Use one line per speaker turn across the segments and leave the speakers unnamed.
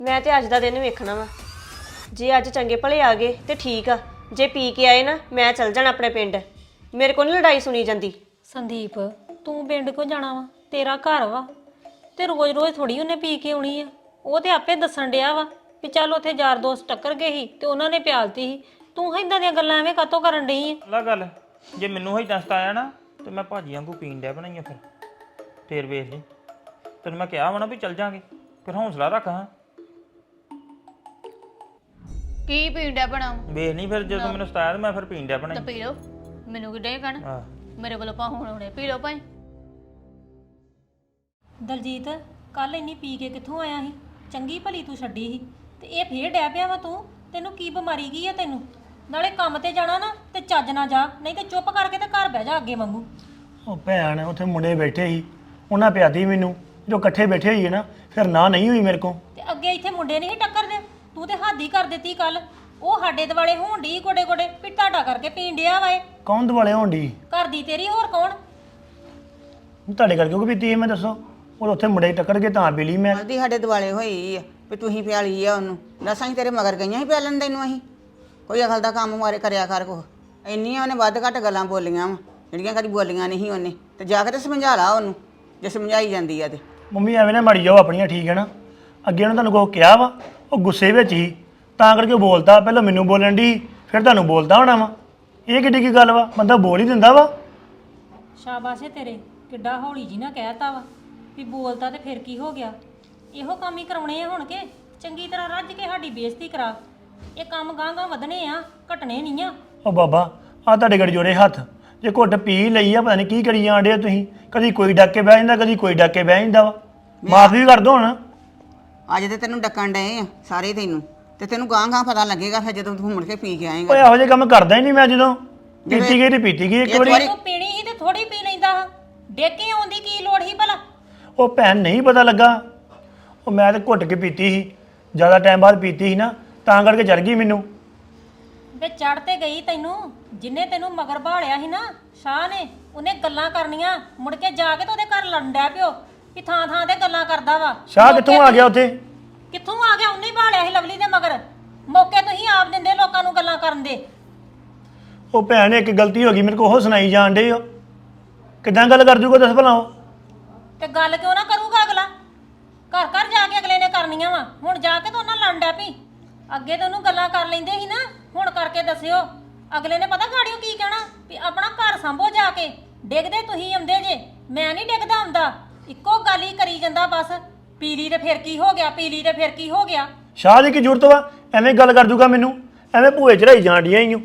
मैं तो अज का दिन वेखना वा जे अज चंगे भले आ गए तो ठीक आ जे पी के आए ना मैं चल जाना अपने पिंड मेरे को नहीं लड़ाई सुनी जाती।
संदीप तू पिंड को जाना वा तेरा घर वा ते रोज रोज थोड़ी उन्हें पी के आनी है। वो तो आपे दसन डिया वा भी चल उत्थे यार दोस्त टक्कर गए ही ते उन्होंने प्यालती ही तू इदां दी गल्लां एवें कातों करन डई है।
ला गल जे मैनू ही दस्त आया ना तो मैं भाजी वांगू पीन डै बनाइया फिर वेख ली तेन मैं कहा वा ना भी चल जाएंगे फिर हौसला रख। हाँ
की पीन डै बना
ਵੇਖ ਨਹੀਂ ਫਿਰ ਜਦੋਂ ਮੈਨੂੰ ਸਤਾਇਆ ਮੈਂ ਫਿਰ ਪੀਣ ਡਿਆ
तो
ਬਣਾਈ।
पी लो मैनू कि कहना
ਹਾਂ
मेरे को पा हुणे पी लो भाई।
ਦਲਜੀਤ ਕੱਲ ਇੰਨੀ ਪੀ ਕੇ ਕਿੱਥੋਂ ਆਇਆ ਸੀ? ਚੰਗੀ ਭਲੀ ਤੂੰ ਛੱਡੀ ਸੀ ਤੇ ਇਹ ਫੇਰ ਡੈ ਪਿਆ ਵਾ ਤੂੰ। ਤੈਨੂੰ ਕੀ ਬਿਮਾਰੀ ਗਈ ਆ ਤੈਨੂੰ? ਨਾਲੇ ਕੰਮ ਤੇ ਜਾਣਾ ਨਾ ਤੇ ਚੱਜ ਨਾ ਜਾ ਨਹੀਂ ਤੇ ਚੁੱਪ ਕਰਕੇ ਤੇ ਘਰ ਬਹਿ ਜਾ ਅੱਗੇ ਵਾਂਗੂ।
ਉਹ ਭੈਣ ਉੱਥੇ ਮੁੰਡੇ ਬੈਠੇ ਸੀ ਉਹਨਾਂ ਪਿਆਦੀ ਮੈਨੂੰ ਜੋ ਇਕੱਠੇ ਬੈਠੇ ਹੋਈਏ ਨਾ ਫਿਰ ਨਾ ਨਹੀਂ ਹੋਈ ਮੇਰੇ ਕੋ।
ਤੇ ਅੱਗੇ ਇੱਥੇ ਮੁੰਡੇ ਨਹੀਂ ਟੱਕਰਦੇ ਤੂੰ ਤੇ ਹੱਦ ਹੀ ਕਰ ਦਿੱਤੀ ਕੱਲ। ਉਹ ਸਾਡੇ ਦਿਵਾਲੇ ਹੋਣ ਡਈ ਗੋਡੇ ਗੋਡੇ ਵੀ ਤੁਹਾਡਾ ਕਰਕੇ ਪੀਣ ਡਿਆ ਵਾ ਇਹ।
ਕੌਣ ਦੁਆਲੇ ਹੋਣ ਡਈ?
ਘਰ ਦੀ ਤੇਰੀ ਹੋਰ ਕੌਣ?
ਤੁਹਾਡੇ ਕਰਕੇ ਕਿਉਂ ਪੀਤੀ ਹੈ ਮੈਂ ਦੱਸੋ? ਉਹ ਉੱਥੇ ਮੁੰਡੇ ਟੱਕਰ ਕੇ ਤਾਂ ਪੀ ਲਈ ਮੈਂ।
ਉਹਦੀ ਸਾਡੇ ਦਿਵਾਲੇ ਹੋਈ ਆ ਵੀ ਤੁਸੀਂ ਪਿਆਲੀ ਆ ਉਹਨੂੰ ਦੱਸਾਂ ਹੀ ਤੇਰੇ ਮਗਰ ਗਈਆਂ ਸੀ ਪਿਆਲਣ ਤੈਨੂੰ ਅਸੀਂ ਕੋਈ ਅਕਲ ਦਾ ਕੰਮ ਮਾਰੇ ਕਰਿਆ ਕਰ ਕੋ ਇੰਨੀਆਂ ਉਹਨੇ ਵੱਧ ਘੱਟ ਗੱਲਾਂ ਬੋਲੀਆਂ ਵਾ ਜਿਹੜੀਆਂ ਕਦੀ ਬੋਲੀਆਂ ਨਹੀਂ ਉਹਨੇ ਤੇ ਜਾ ਕੇ ਤੇ ਸਮਝਾ ਲਾ ਉਹਨੂੰ ਜੇ ਸਮਝਾਈ ਜਾਂਦੀ ਆ ਤੇ।
ਮੰਮੀ ਐਵੇਂ ਨਾ ਮੜੀ ਜਾਓ ਆਪਣੀਆਂ ਠੀਕ ਹੈ ਨਾ। ਅੱਗੇ ਉਹਨੇ ਤੁਹਾਨੂੰ ਕੁਛ ਕਿਹਾ ਵਾ ਉਹ ਗੁੱਸੇ ਵਿੱਚ ਹੀ ਤਾਂ ਕਰਕੇ ਉਹ ਬੋਲਦਾ ਪਹਿਲਾਂ ਮੈਨੂੰ ਬੋਲਣ ਦੀ ਫਿਰ ਤੁਹਾਨੂੰ ਬੋਲਦਾ ਹੋਣਾ ਵਾ। ਇਹ ਕਿੱਡੀ ਕੀ ਗੱਲ ਵਾ? ਬੰਦਾ ਬੋਲ ਹੀ ਦਿੰਦਾ ਵਾ।
ਸ਼ਾਬਾਸ਼ ਏ ਤੇਰੇ ਕਿੱਡਾ ਹੌਲੀ ਜੀ ਨਾ ਕਹਿਤਾ ਵਾ ਵੀ ਬੋਲਦਾ ਤੇ ਫਿਰ ਕੀ ਹੋ ਗਿਆ। ਇਹੋ ਕੰਮ ਹੀ ਕਰਾਉਣੇ ਆ ਹੁਣ ਕੇ ਚੰਗੀ ਤਰ੍ਹਾਂ ਰੱਜ ਕੇ ਸਾਡੀ ਬੇਇੱਜ਼ਤੀ ਕਰਾ। ਇਹ ਕੰਮ ਗਾਂ ਵਧਣੇ ਆ ਘਟਣੇ ਨਹੀਂ ਆ।
ਉਹ ਬਾਬਾ ਆ ਤੁਹਾਡੇ ਗੜ ਜੋੜੇ ਹੱਥ ਜੇ ਘੁੱਟ ਪੀ ਲਈ ਆ ਪਤਾ ਨਹੀਂ ਕੀ ਕਰੀ ਜਾਂਦੇ ਤੁਸੀਂ। ਕਦੀ ਕੋਈ ਡੱਕ ਕੇ ਬਹਿ ਜਾਂਦਾ ਕਦੀ ਕੋਈ ਡੱਕ ਕੇ ਬਹਿ ਜਾਂਦਾ ਵਾ। ਮਾਫ ਵੀ ਕਰ ਦੋ ਹੁਣ।
ਅੱਜ ਤੇ ਤੈਨੂੰ ਡੱਕਣ ਡਏ ਆ ਸਾਰੇ ਤੈਨੂੰ ਤੇ ਤੈਨੂੰ ਗਾਂ ਪਤਾ ਲੱਗੇਗਾ ਫਿਰ ਜਦੋਂ ਤੂੰ ਮੁੜ ਕੇ ਪੀ ਕੇ ਆਏਂਗਾ।
ਓਏ ਇਹੋ ਜਿਹੇ ਕੰਮ ਕਰਦਾ ਹੀ ਨਹੀਂ ਮੈਂ ਜਦੋਂ ਪੀਤੀ ਗਈ ਤੇ ਪੀਤੀ ਗਈ ਇੱਕ ਵਾਰੀ।
ਤੂੰ ਪੀਣੀ ਸੀ ਤੇ ਥੋੜੀ ਪੀ ਲੈਂਦਾ ਡੇਕ ਕੇ ਆਉਂਦੀ ਕੀ ਲੋੜ ਸੀ ਭਲਾ?
ਉਹ ਭੈਣ ਨਹੀਂ ਪਤਾ ਲੱਗਾ ਉਹ ਮੈਂ ਤੇ ਘੁੱਟ ਕੇ ਪੀਤੀ ਸੀ ਜ਼ਿਆਦਾ ਟਾਈਮ ਬਾਅਦ ਪੀਤੀ ਸੀ ਨਾ ਤਾਂ ਕਰਕੇ ਚੜ ਗਈ ਮੈਨੂੰ।
ਵੇ ਚੜ ਤੇ ਗਈ ਤੈਨੂੰ ਜਿੰਨੇ ਤੈਨੂੰ ਮਗਰ ਭਾਲਿਆ ਸੀ ਨਾ ਸ਼ਾਹ ਨੇ ਉਹਨੇ ਗੱਲਾਂ ਕਰਨੀਆਂ ਮੁੜ ਕੇ ਜਾ ਕੇ ਤੇ ਉਹਦੇ ਘਰ ਲੜਨ ਡੈ ਪਿਓ ਵੀ ਥਾਂ ਥਾਂ ਤੇ ਗੱਲਾਂ ਕਰਦਾ ਵਾ।
ਸ਼ਾਹ ਕਿੱਥੋਂ ਆ ਗਿਆ ਉੱਥੇ?
ਕਿੱਥੋਂ ਆ ਗਿਆ? ਉਹਨੇ ਹੀ ਭਾਲਿਆ ਸੀ ਲਵਲੀ ਦੇ ਮਗਰ। ਮੌਕੇ ਤੁਸੀਂ ਆਪ ਦਿੰਦੇ ਲੋਕਾਂ ਨੂੰ ਗੱਲਾਂ ਕਰਨ ਦੇ।
ਉਹ ਭੈਣ ਇੱਕ ਗਲਤੀ ਹੋ ਗਈ ਮੇਰੇ ਕੋਲ ਉਹ ਸੁਣਾਈ ਜਾਣ ਡੇ ਹੋ ਕਿੱਦਾਂ ਗੱਲ ਕਰ ਜੂਗਾ ਦੱਸ ਭਲਾ ਉਹ?
ਤੇ ਗੱਲ ਕਿਉਂ ਨਾ ਕਰੂਗਾ ਅਗਲਾ? ਘਰ ਘਰ ਜਾ ਕੇ ਅਗਲੇ ਨੇ ਕਰਨੀਆਂ ਵਾ। ਹੁਣ ਜਾ ਕੇ ਤਾਂ ਉਹਨਾਂ ਲੜਨ ਡੈ ਪਈ। ਅੱਗੇ ਤਾਂ ਉਹਨੂੰ ਗੱਲਾਂ ਕਰ ਲੈਂਦੇ ਸੀ ਨਾ ਹੁਣ ਕਰਕੇ ਦੱਸਿਓ ਅਗਲੇ ਨੇ ਪਤਾ ਗਾੜੀਓ ਕੀ ਕਹਿਣਾ ਵੀ ਆਪਣਾ ਘਰ ਸੰਭੋ ਜਾ ਕੇ। ਡਿੱਗਦੇ ਤੁਸੀਂ ਆਉਂਦੇ ਜੇ ਮੈਂ ਨਹੀਂ ਡਿੱਗਦਾ ਆਉਂਦਾ। ਇੱਕੋ ਗੱਲ ਹੀ ਕਰੀ ਜਾਂਦਾ ਬਸ ਪੀਲੀ ਤੇ ਫਿਰ ਕੀ ਹੋ ਗਿਆ ਪੀਲੀ ਤੇ ਫਿਰ ਕੀ ਹੋ ਗਿਆ।
ਸ਼ਾਹ ਦੀ ਕੀ ਜ਼ਰੂਰਤ ਵਾ ਐਵੇਂ ਗੱਲ ਕਰ ਜੂਗਾ ਮੈਨੂੰ? ਐਵੇਂ ਭੂਏ ਚੜਾਈ ਜਾਣ ਡੀਆਂ ਹੀ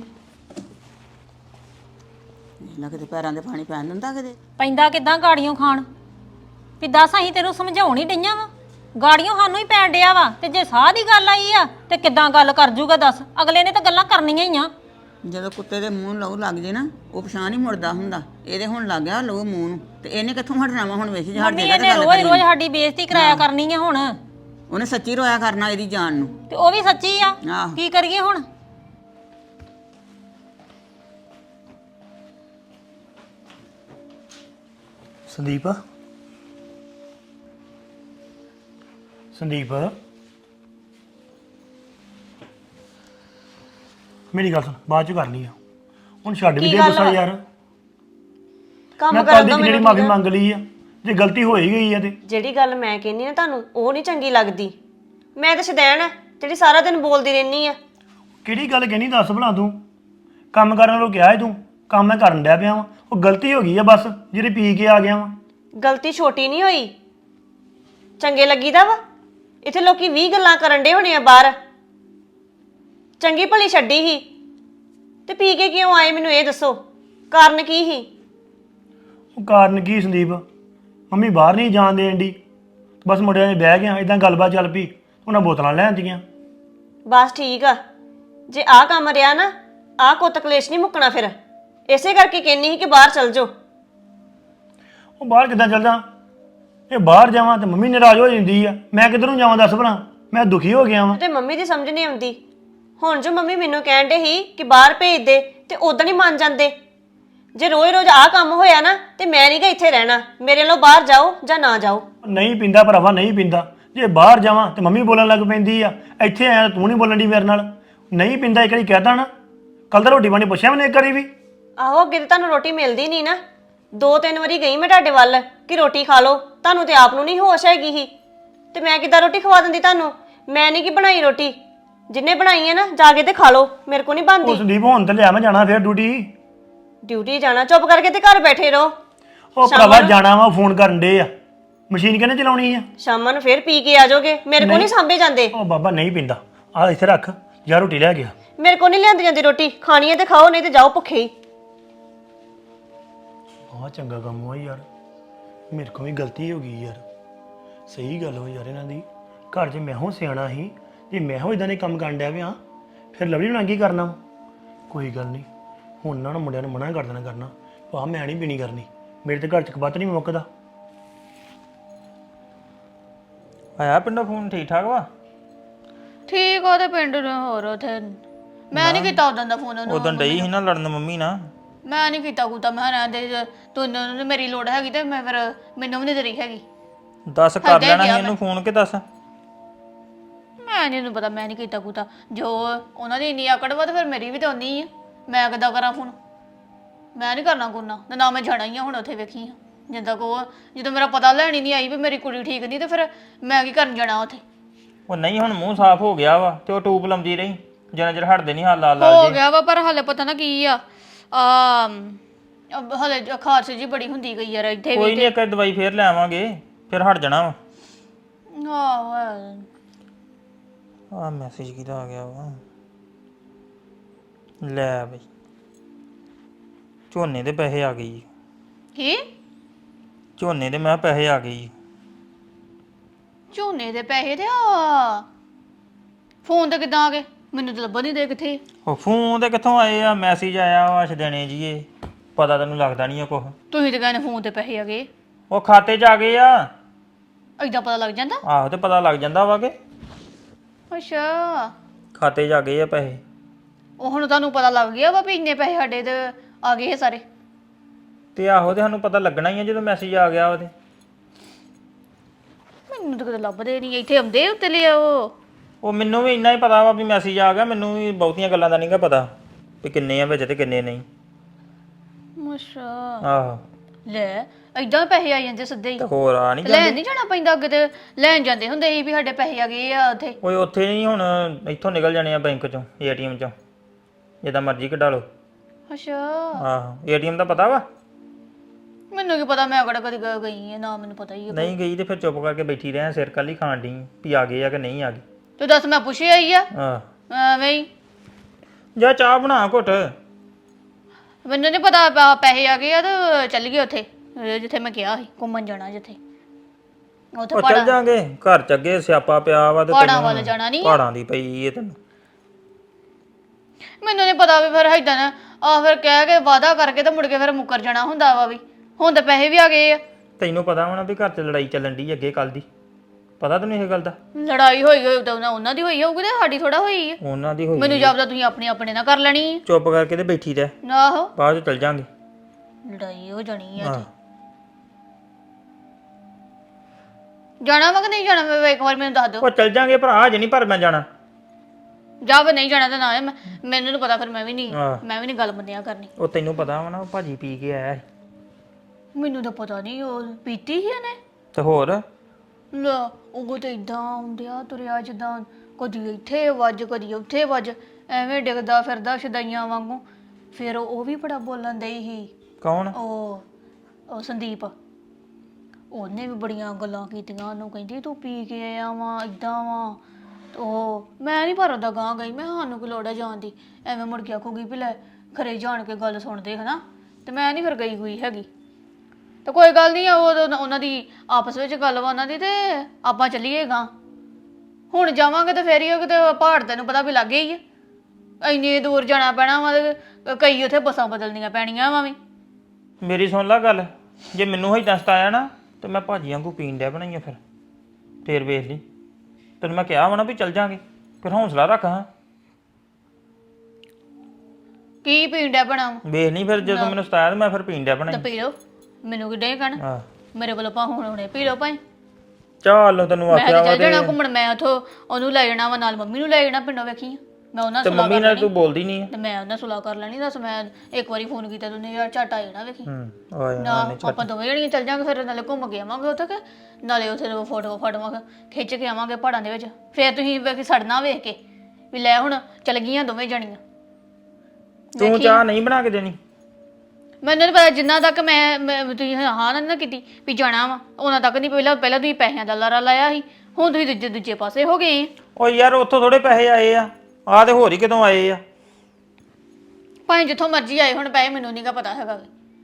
ਨਾ ਕਿਤੇ ਪੈਰਾਂ ਦੇ ਪਾਣੀ ਪੈਣ ਦਿੰਦਾ ਕਿਤੇ।
ਪੈਂਦਾ ਕਿਦਾਂ ਗਾੜੀਆਂ ਖਾਣ ਵੀ ਦੱਸ ਅਸੀਂ ਤੈਨੂੰ ਸਮਝਾਉਣ ਹੀ ਡਈਆਂ ਵਾ ਗਾੜੀਆਂ ਸਾਨੂੰ ਹੀ ਪੈਣ ਡਿਆ ਵਾ। ਤੇ ਜੇ ਸਾਹ ਦੀ ਗੱਲ ਆਈ ਆ ਤੇ ਕਿਦਾਂ ਗੱਲ ਕਰ ਜੂਗਾ ਦੱਸ? ਅਗਲੇ ਨੇ ਤਾਂ ਗੱਲਾਂ ਕਰਨੀਆਂ ਹੀ ਆ।
ਜਦੋਂ ਕੁੱਤੇ ਦੇ ਮੂੰਹ ਲਹੂ ਲੱਗ ਜੇ ਨਾ ਉਹ ਪਛਾਣ ਨਹੀਂ ਮੁੜਦਾ ਹੁੰਦਾ। ਇਹਦੇ ਹੁਣ ਲੱਗ ਗਿਆ ਲਹੂ ਮੂੰਹ ਨੂੰ ਤੇ ਇਹਨੇ ਕਿੱਥੋਂ ਹਟਣਾ ਵਾ ਹੁਣ ਵੇਖ ਜੇ ਹਟ
ਮੰਮੀ
ਜਾਏਗਾ ਤੇ
ਇਹਨੇ
ਗੱਲ
ਰੋਜ਼
ਕਰੀ।
ਰੋਜ਼ ਸਾਡੀ ਬੇਇੱਜ਼ਤੀ ਕਰਾਇਆ ਕਰਨੀ ਆ ਹੁਣ।
ਉਹਨੇ ਸੱਚੀ ਰੋਇਆ ਕਰਨਾ ਇਹਦੀ ਜਾਨ ਨੂੰ।
ਤੇ ਉਹ ਵੀ ਸੱਚੀ ਆ।
ਆਹੋ।
ਕੀ ਕਰੀਏ ਹੁਣ?
ਸੰਦੀਪ ਸੰਦੀਪ ਮੇਰੀ ਗੱਲ ਸੁਣ ਬਾਅਦ ਚ ਕਰ ਲਈ ਆ ਹੁਣ ਛੱਡ ਵੀ ਦੇ ਗੁੱਸਾ ਯਾਰ।
ਕੰਮ
ਮੈਂ
ਕਰਨ
ਕੱਲ
ਦੋ
ਦੀ ਜਿਹੜੀ ਮਾਫੀ ਮੰਗ ਲਈ ਆ ਜੇ ਗਲਤੀ ਹੋ ਹੀ ਗਈ ਆ ਤੇ
ਜਿਹੜੀ ਗੱਲ ਮੈਂ ਕਹਿੰਦੀ ਨਾ ਤੁਹਾਨੂੰ ਉਹ ਨਹੀਂ ਚੰਗੀ ਲੱਗਦੀ। ਮੈਂ ਤਾਂ ਸ਼ਦੈਣ ਆ ਜਿਹੜੀ ਸਾਰਾ ਦਿਨ ਬੋਲਦੀ ਰਹਿਨੀ ਆ।
ਕਿਹੜੀ ਗੱਲ ਕਹਿਣੀ ਦੱਸ ਭਲਾ ਤੂੰ? ਕੰਮ ਕਰਨ ਨੂੰ ਕਿਹਾ ਹੈ ਤੂੰ ਕੰਮ ਮੈਂ ਕਰਨ ਡਿਆ ਪਿਆ ਵਾਂ ਉਹ ਗਲਤੀ ਹੋ ਗਈ ਆ ਬਸ ਜਿਹੜੀ ਪੀ ਕੇ ਆ ਗਿਆ ਵਾਂ।
ਗਲਤੀ ਛੋਟੀ ਨਹੀਂ ਹੋਈ ਚੰਗੇ ਲੱਗੀਦਾ ਵਾ। ਇੱਥੇ ਲੋਕੀ 20 ਗੱਲਾਂ ਕਰਨ ਡੇ ਹੋਣੇ ਆ ਬਾਹਰ। ਚੰਗੀ ਭਲੀ ਛੱਡੀ ਸੀ ਤੇ ਪੀ ਕੇ ਕਿਉਂ ਆਏ ਮੈਨੂੰ ਇਹ ਦੱਸੋ ਕਾਰਨ ਕੀ ਸੀ?
ਉਹ ਕਾਰਨ ਕੀ ਸੰਦੀਪ? ਮੰਮੀ ਬਾਹਰ ਨਹੀਂ ਜਾਣ ਦੇਣ ਦੀ ਬਸ ਮੁੰਡਿਆਂ 'ਚ ਬਹਿ ਗਿਆ ਇਦਾਂ ਗੱਲਬਾਤ ਚੱਲ ਪਈ ਉਹਨਾਂ ਬੋਤਲਾਂ ਲੈ ਆਂਦੀਆਂ।
ਬਸ ਠੀਕ ਆ ਜੇ ਆਹ ਕੰਮ ਰਿਹਾ ਨਾ ਆਹ ਕੁੱਤ ਕਲੇਸ਼ ਨਹੀਂ ਮੁੱਕਣਾ ਫਿਰ। ਇਸੇ ਕਰਕੇ ਕਹਿੰਨੀ ਸੀ ਕਿ ਬਾਹਰ ਚਲ ਜਾਓ।
ਉਹ ਬਾਹਰ ਕਿੱਦਾਂ ਚੱਲਦਾ? ਇਹ ਬਾਹਰ ਜਾਵਾਂ ਤੇ ਮੰਮੀ ਨਾਰਾਜ਼ ਹੋ ਜਾਂਦੀ ਆ। ਮੈਂ ਕਿੱਧਰੋਂ ਜਾਵਾਂ ਦੱਸ ਭਲਾ? ਮੈਂ ਦੁਖੀ ਹੋ ਗਿਆ ਵਾਂ।
ਤੇ ਮੰਮੀ ਦੀ ਸਮਝ ਨਹੀਂ ਆਉਂਦੀ। ਹੁਣ ਜੋ ਮੰਮੀ ਮੈਨੂੰ ਕਹਿਣ ਡੇ ਸੀ ਕਿ ਬਾਹਰ ਭੇਜ ਦੇ ਤੇ ਉਦੋਂ ਨਹੀਂ ਮੰਨ ਜਾਂਦੇ। ਜੇ ਰੋਜ਼-ਰੋਜ਼ ਆਹ ਕੰਮ ਹੋਇਆ ਨਾ ਤੇ ਮੈਂ ਨਹੀਂ ਗਾ ਇੱਥੇ ਰਹਿਣਾ। ਮੇਰੇ ਨਾਲ ਬਾਹਰ ਜਾਓ ਜਾਂ ਨਾ ਜਾਓ।
ਨਹੀਂ ਪੀਂਦਾ ਭਰਾਵਾ ਨਹੀਂ ਪੀਂਦਾ ਜੇ ਬਾਹਰ ਜਾਵਾਂ ਤੇ ਮੰਮੀ ਬੋਲਣ ਲੱਗ ਪੈਂਦੀ ਆ, ਇੱਥੇ ਆਇਆ ਤੂੰ ਨਹੀਂ ਬੋਲਣ ਦੀ ਮੇਰੇ ਨਾਲ। ਨਹੀਂ ਪਿੰਦਾ ਇੱਕ ਵਾਰੀ ਕਹਿਦਾ ਨਾ, ਕੱਲ ਤਾਂ ਰੋਟੀ ਪਾਣੀ ਪੁੱਛਿਆ ਮੈਨੇ ਇੱਕ ਵਾਰੀ ਵੀ।
ਆਹੋ ਅੱਗੇ ਤੇ ਤੁਹਾਨੂੰ ਰੋਟੀ ਮਿਲਦੀ ਨਹੀਂ ਨਾ। 2-3 ਵਾਰੀ ਗਈ ਮੈਂ ਤੁਹਾਡੇ ਵੱਲ ਕਿ ਰੋਟੀ ਖਾ ਲਓ, ਤੁਹਾਨੂੰ ਤੇ ਆਪ ਨੂੰ ਨਹੀਂ ਹੋਸ਼ ਹੈਗੀ ਹੀ ਤੇ ਮੈਂ ਕਿੱਦਾਂ ਰੋਟੀ ਖਵਾ ਦਿੰਦੀ ਤੁਹਾਨੂੰ। ਮੈਂ ਨਹੀਂ ਕਿ ਬਣਾਈ ਰੋਟੀ, ਜਿੰਨੇ ਬਣਾਈ ਹੈ ਨਾ ਜਾ ਕੇ ਤੇ ਖਾ ਲਓ, ਮੇਰੇ ਕੋ ਨਹੀਂ
ਉਹ
ਬਣਦੀ।
ਸੰਦੀਪ ਹੁਣ ਤੇ ਲਿਆ ਮੈਂ ਜਾਣਾ ਫਿਰ ਡਿਊਟੀ।
ਡਿਊਟੀ ਜਾਣਾ, ਚੁੱਪ ਕਰਕੇ ਤੇ ਘਰ ਬੈਠੇ ਰਹੋ।
ਉਹ ਭਰਾਵਾ ਜਾਣਾ ਵਾ, ਫੋਨ ਕਰਨ ਦੇ ਆ। ਮਸ਼ੀਨ ਕਿਹਨੇ ਚਲਾਉਣੀ ਆ?
ਸ਼ਾਮਾਂ ਨੂੰ ਫੇਰ ਪੀ ਕੇ ਆ ਜਾਓਗੇ, ਮੇਰੇ ਕੋ ਨਹੀਂ ਸਾਂਭੇ ਜਾਂਦੇ।
ਉਹ ਬਾਬਾ ਨਹੀਂ ਪੀਂਦਾ, ਆ ਇੱਥੇ ਰੱਖ ਜਾ, ਰੋਟੀ ਲੈ ਗਿਆ।
ਮੇਰੇ ਕੋ ਨਹੀਂ ਲਿਆਂਦੀ ਜਾਂਦੀ ਰੋਟੀ, ਖਾਣੀ ਹੈ ਤੇ ਖਾਓ, ਨਹੀਂ ਤੇ ਜਾਓ ਭੁੱਖੇ ਹੀ।
ਆਹ ਚੰਗਾ ਕੰਮ ਹੋਇਆ ਯਾਰ, ਮੇਰੇ ਕੋਲ ਵੀ ਗਲਤੀ ਹੋ ਗਈ ਯਾਰ। ਸਹੀ ਗੱਲ ਹੋਈ ਯਾਰ ਇਹਨਾਂ ਦੀ। ਘਰ 'ਚ ਮੈਂ ਹੋ ਸਿਆਣਾ ਸੀ, ਜੇ ਮੈਂ ਹੋ ਇਦਾਂ ਦੇ ਕੰਮ ਕਰਨ ਡਿਆ ਪਿਆ ਫਿਰ ਲਵਲੀ ਬਣਾ ਕੀ ਕਰਨਾ। ਕੋਈ ਗੱਲ ਨਹੀਂ, ਹੁਣ ਨਾ ਮੁੰਡਿਆਂ ਨੂੰ ਮਨਾ ਕਰ ਦੇਣਾ ਕਰਨਾ, ਭਾ ਮੈਂ ਨਹੀਂ ਪੀਣੀ ਕਰਨੀ, ਮੇਰੇ ਤੇ ਘਰ 'ਚ ਕਬੱਤ ਨਹੀਂ ਮੁੱਕਦਾ।
ਆਇਆ ਪਿੰਡੋਂ ਫੋਨ ਠੀਕ ਠਾਕ ਵਾ?
ਠੀਕ ਉਹਦੇ ਪਿੰਡ ਨੂੰ ਹੋਰ ਉਥੇ ਮੈਂ ਨਹੀਂ ਕੀਤਾ ਉਦੋਂ ਦਾ ਫੋਨ ਉਹਨੂੰ।
ਉਦੋਂ ਡਈ ਸੀ ਨਾ ਲੜਨ ਮੰਮੀ ਨਾਲ।
ਮੈਂ ਨਹੀਂ ਕੀਤਾ ਕੁਤਾ, ਮੈਂ ਰਹਿੰਦੇ ਤੂੰ ਮੇਰੀ ਲੋੜ ਹੈਗੀ ਤੇ ਮੈਂ ਫਿਰ ਮੈਨੂੰ ਵੀ ਨਹੀਂ ਤੇਰੀ ਹੈਗੀ।
ਦੱਸ ਕਰ ਲੈਣਾ ਸੀ ਇਹਨੂੰ ਫੋਨ ਕਿ ਦੱਸ।
ਮੈਂ ਨਹੀਂ ਪਤਾ, ਮੈਂ ਨਹੀਂ ਕੀਤਾ ਕੁਤਾ। ਜੋ ਉਹਨਾਂ ਦੀ ਇੰਨੀ ਆਕੜ ਵਾ ਤੇ ਫਿਰ ਮੇਰੀ ਵੀ ਤਾਂ ਉਨੀ ਆ। ਮੈਂ ਕਿੱਦਾਂ ਕਰਾਂ ਫੋਨ? ਮੈਂ ਨਹੀਂ ਕਰਨਾ ਕੁਰਨਾ ਤੇ ਨਾ ਮੈਂ ਜਾਣਾ ਹੀ ਆ ਹੁਣ ਉੱਥੇ। ਵੇਖੀ ਜਿੱਦਾਂ ਕੋ ਜਦੋਂ ਮੇਰਾ ਪਤਾ ਲੈਣੀ ਨਹੀਂ ਆਈ ਵੀ ਮੇਰੀ ਕੁੜੀ ਠੀਕ ਨਹੀਂ ਤੇ ਫਿਰ ਮੈਂ ਕੀ ਕਰਨ ਜਾਣਾ ਉੱਥੇ।
ਉਹ ਨਹੀਂ ਹੁਣ ਮੂੰਹ ਸਾਫ਼ ਹੋ ਗਿਆ ਵਾ ਤੇ ਉਹ ਟੂਬ ਲਾਉਂਦੀ ਰਹੀ ਜਿੰਨਾ ਚਿਰ ਹਟਦੇ ਨਹੀਂ ਹਾਲ ਲਾਲ
ਹੋ
ਲਾਲ ਜੇ।
ਗਿਆ ਵਾ ਪਰ ਹਾਲੇ ਪਤਾ ਨਾ ਕੀ ਆ ਹਾਲੇ ਖਾਰਸ਼ ਜੀ ਬੜੀ ਹੁੰਦੀ ਗਈ ਯਾਰ ਇੱਥੇ
ਕੋਈ
ਵੀ।
ਨਹੀਂ, ਇੱਕ ਦਵਾਈ ਫੇਰ ਲੈ ਆਵਾਂਗੇ ਫਿਰ ਹਟ ਜਾਣਾ ਵਾ।
ਆਹੋ
ਆ ਮੈਸੇਜ ਕਿਹਦਾ ਆ ਗਿਆ ਵਾ? ਲੈ ਬਈ ਝੋਨੇ ਦੇ ਪੈਸੇ ਆ ਗਏ ਜੀ।
ਕੀ
ਝੋਨੇ ਦੇ ਮੈਂ ਪੈਸੇ ਆ ਗਏ ਜੀ।
ਝੋਨੇ ਦੇ ਪੈਸੇ ਤੇ ਆ ਫੋਨ ਤੇ ਕਿੱਦਾਂ ਆ ਗਏ? ਮੈਨੂੰ ਤਾਂ ਲੱਭਣ ਨਹੀਂ ਦੇ ਕਿੱਥੇ।
ਉਹ ਫੋਨ ਤੇ ਕਿੱਥੋਂ ਆਏ ਆ? ਮੈਸੇਜ ਆਇਆ ਵਾ ਛਦਣੇ ਜੀ, ਇਹ ਪਤਾ ਤੈਨੂੰ ਲੱਗਦਾ ਨਹੀਂ ਆ ਕੁਛ।
ਤੁਸੀਂ ਤੇ ਕਹਿੰਦੇ ਫੋਨ ਤੇ ਪੈਸੇ ਆ ਗਏ,
ਉਹ ਖਾਤੇ 'ਚ ਆ ਗਏ ਆ।
ਏਦਾਂ ਪਤਾ ਲੱਗ ਜਾਂਦਾ?
ਆਹੋ ਤੇ ਪਤਾ ਲੱਗ ਜਾਂਦਾ ਵਾ ਕਿ
ਅੱਛਾ
ਖਾਤੇ 'ਚ ਆ ਗਏ ਆ ਪੈਸੇ।
ਉਹ ਹੁਣ ਤੁਹਾਨੂੰ ਪਤਾ ਲੱਗ ਗਿਆ ਵਾ ਵੀ ਇੰਨੇ ਪੈਸੇ ਸਾਡੇ ਤੇ ਆ ਗਏ ਇਹ ਸਾਰੇ?
ਤੇ ਆਹੋ ਤੇ ਸਾਨੂੰ ਪਤਾ ਲੱਗਣਾ ਹੀ ਆ ਜਦੋਂ ਮੈਸੇਜ ਆ ਗਿਆ ਉਹਦੇ।
ਮੈਨੂੰ ਤਾਂ ਕਦੇ ਲੱਭਦੇ ਨਹੀਂ, ਇੱਥੇ ਆਉਂਦੇ ਉੱਤੇ ਲਿਆਓ।
ਉਹ ਮੈਨੂੰ ਵੀ ਇੰਨਾ ਹੀ ਪਤਾ ਵਾ ਵੀ ਮੈਸੇਜ ਆ ਗਿਆ, ਮੈਨੂੰ ਵੀ ਬਹੁਤੀਆਂ ਗੱਲਾਂ ਦਾ ਨਹੀਂਗਾ ਪਤਾ ਵੀ ਕਿੰਨੇ ਆ ਵਿੱਚ ਤੇ ਕਿੰਨੇ ਨਹੀਂ।
ਅੱਛਾ
ਆਹੋ
ਲੈ ਏਦਾਂ ਪੈਸੇ ਆ ਜਾਂਦੇ ਸਿੱਧੇ ਹੀ।
ਤੇ ਹੋਰ ਆ ਨਹੀਂ
ਲੈਣ ਨਹੀਂ ਜਾਣਾ ਪੈਂਦਾ? ਅੱਗੇ ਤੇ ਲੈਣ ਜਾਂਦੇ ਹੁੰਦੇ ਸੀ ਵੀ ਸਾਡੇ ਪੈਸੇ ਆ ਗਏ ਆ ਉੱਥੇ।
ਓਏ ਉੱਥੇ ਨਹੀਂ, ਹੁਣ ਇੱਥੋਂ ਨਿਕਲ ਜਾਣੇ ਆ ਬੈਂਕ ਚੋਂ, ਏਟੀਐਮ ਚੋਂ, ਜਿੱਦਾਂ ਮਰਜ਼ੀ ਕਢਾ ਲਓ।
ਅੱਛਾ
ਆਹੋ ਏਟੀਐਮ ਦਾ ਪਤਾ ਵਾ?
ਮੈਨੂੰ ਕੀ ਪਤਾ, ਮੈਂ ਕਿਹੜਾ ਕਦੀ ਗਈ ਆ ਨਾ, ਮੈਨੂੰ ਪਤਾ ਹੀ ਆ।
ਨਹੀਂ ਗਈ ਤੇ ਫਿਰ ਚੁੱਪ ਕਰਕੇ ਬੈਠੀ ਰਹਿ, ਸਿਰ ਕੱਲ ਹੀ ਖਾਣ ਡਈ ਵੀ ਆ ਗਏ ਆ ਕਿ ਨਹੀਂ ਆ ਗਏ।
ਤੂੰ ਦੱਸ, ਮੈਂ ਪੁੱਛਿਆ ਹੀ ਆ
ਆਹ
ਐਵੇਂ ਹੀ।
ਜਾ ਚਾਹ ਬਣਾ ਘੁੱਟ।
ਮੈਨੂੰ ਨਹੀਂ ਪਤਾ ਪੈਸੇ ਆ ਗਏ ਆ ਤੇ ਚੱਲ ਗਏ ਉੱਥੇ ਜਿੱਥੇ ਮੈਂ ਕਿਹਾ ਸੀ ਘੁੰਮਣ ਜਾਣਾ, ਜਿੱਥੇ ਉੱਥੇ
ਉਹ ਚੱਲ ਜਾਾਂਗੇ। ਘਰ ਚ ਅੱਗੇ ਸਿਆਪਾ ਪਿਆ ਵਾ ਤੇ
ਪਹਾੜਾਂ ਵੱਲ ਜਾਣਾ ਨਹੀਂ?
ਪਹਾੜਾਂ ਦੀ ਪਈ ਏ ਤੈਨੂੰ।
ਮੈਨੂੰ ਨਹੀਂ ਪਤਾ ਵੀ ਫਿਰ ਏਦਾਂ ਨਾ ਫਿਰ ਕਹਿ ਕੇ ਵਾਅਦਾ ਕਰਕੇ ਤੇ ਮੁੜ ਕੇ ਫਿਰ ਮੁੱਕਰ ਜਾਣਾ ਹੁੰਦਾ ਵਾ ਵੀ। ਹੁਣ ਤਾਂ ਪੈਸੇ ਵੀ ਆ ਗਏ ਆ।
ਤੈਨੂੰ ਪਤਾ ਹੋਣਾ ਵੀ ਘਰ ਚ ਲੜਾਈ ਚੱਲਣ ਦੀ ਅੱਗੇ ਕੱਲ ਦੀ, ਪਤਾ ਤੈਨੂੰ ਇਹ ਗੱਲ ਦਾ?
ਲੜਾਈ ਹੋਈ ਤਾਂ ਉਹਨਾਂ ਦੀ ਹੋਈ ਹੋਊਗੀ ਤੇ ਸਾਡੀ ਥੋੜਾ ਹੋਈ ਆ।
ਉਹਨਾਂ ਦੀ ਹੋਈ।
ਮੈਨੂੰ ਜਾਪਦਾ ਤੁਸੀਂ ਆਪਣੇ ਆਪਣੇ ਨਾਲ ਕਰ ਲੈਣੀ ਆ।
ਚੁੱਪ ਕਰਕੇ ਤੇ ਬੈਠੀ ਰਹਿ,
ਆਹੋ
ਬਾਅਦ ਚ ਚੱਲ ਜਾਾਂਗੇ।
ਲੜਾਈ ਹੋ ਜਾਣੀ ਆ
ਆਹ
ਇੱਥੇ। ਜਾਣਾ ਵਾ ਕਿ ਨਹੀਂ ਜਾਣਾ? ਮੈਂ ਇੱਕ ਵਾਰ ਮੈਨੂੰ ਦੱਸ ਦਿਓ।
ਉਹ ਚੱਲ ਜਾਾਂਗੇ ਭਰਾ, ਅਜੇ ਨਹੀਂ ਪਰ ਮੈਂ ਜਾਣਾ।
ਜਾ ਫਿਰ ਨਹੀਂ ਜਾਣਾ ਤਾਂ ਨਾ ਮੈਨੂੰ ਨੀ ਪਤਾ, ਫਿਰ ਮੈਂ ਵੀ
ਆਹ।
ਨਹੀਂ ਗੱਲ ਬੰਦਿਆਂ ਕਰਨੀ।
ਉਹ ਤੈਨੂੰ ਪਤਾ ਵਾ ਨਾ, ਉਹ ਭਾਜੀ ਪੀ ਕੇ ਆਇਆ ਸੀ।
ਮੈਨੂੰ ਤਾਂ ਪਤਾ ਨਹੀਂ, ਉਹ ਪੀਤੀ ਸੀ ਇਹਨੇ।
ਤੇ ਹੋਰ
ਲੈ ਉਹ ਤਾਂ ਇਦਾਂ ਆਉਂਦਿਆ ਤੁਰਿਆ ਜਿੱਦਾਂ ਕਦੀ ਇੱਥੇ ਵੱਜ ਕਦੀ ਉੱਥੇ ਵੱਜ, ਐਵੇਂ ਡਿੱਗਦਾ ਫਿਰਦਾ ਸ਼ਦਾਈਆਂ ਵਾਂਗੂ। ਫਿਰ ਉਹ ਵੀ ਬੜਾ ਬੋਲਣ ਡਈ ਸੀ।
ਕੌਣ?
ਉਹ ਸੰਦੀਪ, ਉਹਨੇ ਵੀ ਬੜੀਆਂ ਗੱਲਾਂ ਕੀਤੀਆਂ ਉਹਨੂੰ, ਕਹਿੰਦੀ ਤੂੰ ਪੀ ਕੇ ਆਇਆ ਵਾ ਇਦਾਂ ਵਾ। ਉਹ ਮੈਂ ਨਹੀਂ ਪਰ ਉਹਦਾ ਗਾਂ ਗਈ, ਮੈਂ ਸਾਨੂੰ ਕੀ ਲੋੜ ਹੈ ਜਾਣ ਦੀ, ਐਵੇਂ ਮੁੜ ਕੇ ਆਖੂਗੀ ਵੀ ਲੈ ਖਰੇ ਜਾਣ ਕੇ ਗੱਲ ਸੁਣਦੇ ਹਨਾ, ਤੇ ਮੈਂ ਨਹੀਂ ਫਿਰ ਗਈ ਹੋਈ ਹੈਗੀ। ਤੇ ਕੋਈ ਗੱਲ ਨਹੀਂ, ਉਹਨਾਂ ਦੀ ਆਪਸ ਵਿੱਚ ਗੱਲ ਵਾ ਉਹਨਾਂ ਦੀ, ਤੇ ਆਪਾਂ ਚੱਲੀਏਗਾ ਹੁਣ। ਜਾਵਾਂਗੇ ਤੇ ਫੇਰ ਹੀ ਉਹ ਕਿਤੇ ਪਹਾੜ ਤੈਨੂੰ ਪਤਾ ਵੀ ਲੱਗੇ ਹੀ ਆ, ਇੰਨੀ ਦੂਰ ਜਾਣਾ ਪੈਣਾ ਵਾ, ਕਈ ਉੱਥੇ ਬੱਸਾਂ ਬਦਲਣੀਆਂ ਪੈਣੀਆਂ ਵਾ ਵੀ।
ਮੇਰੀ ਸੁਣ ਲੈ ਗੱਲ, ਜੇ ਮੈਨੂੰ ਹੀ ਦਸਤ ਆਇਆ ਨਾ ਤੇ ਮੈਂ ਭਾਜੀ ਵਾਂਗੂ ਪੀਣ ਡਿਆ ਬਣਾਈਆਂ ਫਿਰ ਵੇਖ ਲਈ। ਤੈਨੂੰ ਮੈਂ ਕਿਹਾ ਵਾ ਨਾ ਵੀ ਚੱਲ ਜਾਾਂਗੇ, ਫਿਰ ਹੌਸਲਾ ਰੱਖ। ਹਾਂ
ਕੀ ਪੀਣ ਡਿਆ ਬਣਾ
ਵੇਖ ਨਹੀਂ, ਫਿਰ ਜਦੋਂ ਮੈਨੂੰ ਸਤਾਇਆ ਤੇ ਮੈਂ ਫਿਰ ਪੀਣ ਡਿਆ
ਤਾਂ
ਬਣਾਈ।
ਪੀ ਲਓ, ਮੈਨੂੰ ਕਿੱਡੇ ਕਹਿਣਾ।
ਆਹ
ਮੇਰੇ ਵੱਲੋਂ ਹੁਣ ਹੁਣੇ ਪੀ ਲਓ ਭਾਈ।
ਚੱਲ ਤੈਨੂੰ
ਮੈਂ
ਆਖਿਆ
ਤੇ
ਵਾ
ਚੱਲ ਜਾਣਾ
ਤੇ
ਘੁੰਮਣ, ਮੈਂ ਉਥੋਂ ਉਹਨੂੰ ਲੈ ਜਾਣਾ ਵਾ ਨਾਲ, ਮੰਮੀ ਨੂੰ ਲੈ ਜਾਣਾ ਪਿੰਡੋਂ, ਵੇਖੀ ਆ। ਮੈਂ ਉਹਨਾਂ
ਤੇ
ਸੁਲਾ
ਮੰਮੀ
ਕਰ
ਨਾਲ
ਲੈਣੀ
ਤੂੰ ਬੋਲਦੀ ਨਹੀਂ ਆ।
ਤੇ ਮੈਂ ਉਹਨਾਂ ਸੁਲਾ ਕਰ ਲੈਣੀ। ਦੱਸ ਮੈਂ ਇੱਕ ਵਾਰੀ ਫੋਨ ਕੀਤਾ ਤੂੰ ਯਾਰ ਝਟ ਆ ਜਾਣਾ, ਵੇਖੀ
ਆ
ਨਾ ਆਪਾਂ ਦੋਵੇਂ ਜਣੀਆਂ ਚੱਲ ਜਾਾਂਗੇ, ਫਿਰ ਨਾਲੇ ਘੁੰਮ ਕੇ ਆਵਾਂਗੇ ਉੱਥੇ ਕਿ ਨਾਲੇ ਉੱਥੇ ਫੋਟੋ ਫਾਟੋਆਂ ਖਿੱਚ ਕੇ ਆਵਾਂਗੇ ਪਹਾੜਾਂ ਦੇ ਵਿੱਚ। ਫਿਰ ਤੁਸੀਂ ਵੇਖ ਸੜਨਾ ਵੇਖ ਕੇ ਵੀ ਲੈ ਹੁਣ ਚੱਲ ਗਈਆਂ ਦੋਵੇਂ ਜਣੀਆਂ।
ਤੂੰ ਚਾਹ ਨਹੀਂ ਬਣਾ ਕੇ ਦੇਣੀ?
ਮੈਨੂੰ ਨਹੀਂ ਪਤਾ, ਜਿੰਨਾ ਤੱਕ ਤੁਸੀਂ ਹਾਂ ਨਾ ਕੀਤੀ ਵੀ ਜਾਣਾ ਵਾ, ਉਹਨਾਂ ਤੱਕ ਨਹੀਂ। ਪਹਿਲਾਂ ਤੁਸੀਂ ਪੈਸਿਆਂ ਦਾ ਲਾਰਾ ਲਾਇਆ ਸੀ, ਹੁਣ ਤੁਸੀਂ ਦੂਜੇ ਪਾਸੇ ਹੋ ਗਏ।
ਓ ਯਾਰ ਉੱਥੋਂ ਥੋੜੇ ਪੈਸੇ ਆਏ ਆ ਤੇ ਹੋਰ ਹੀ ਕਿਤੋਂ ਆਏ ਆ।
ਭਾਵੇਂ ਜਿੱਥੋਂ ਮਰਜ਼ੀ ਆਏ ਹੁਣ ਪੈਸੇ, ਮੈਨੂੰ ਨਹੀਂਗਾ ਪਤਾ ਹੈਗਾ।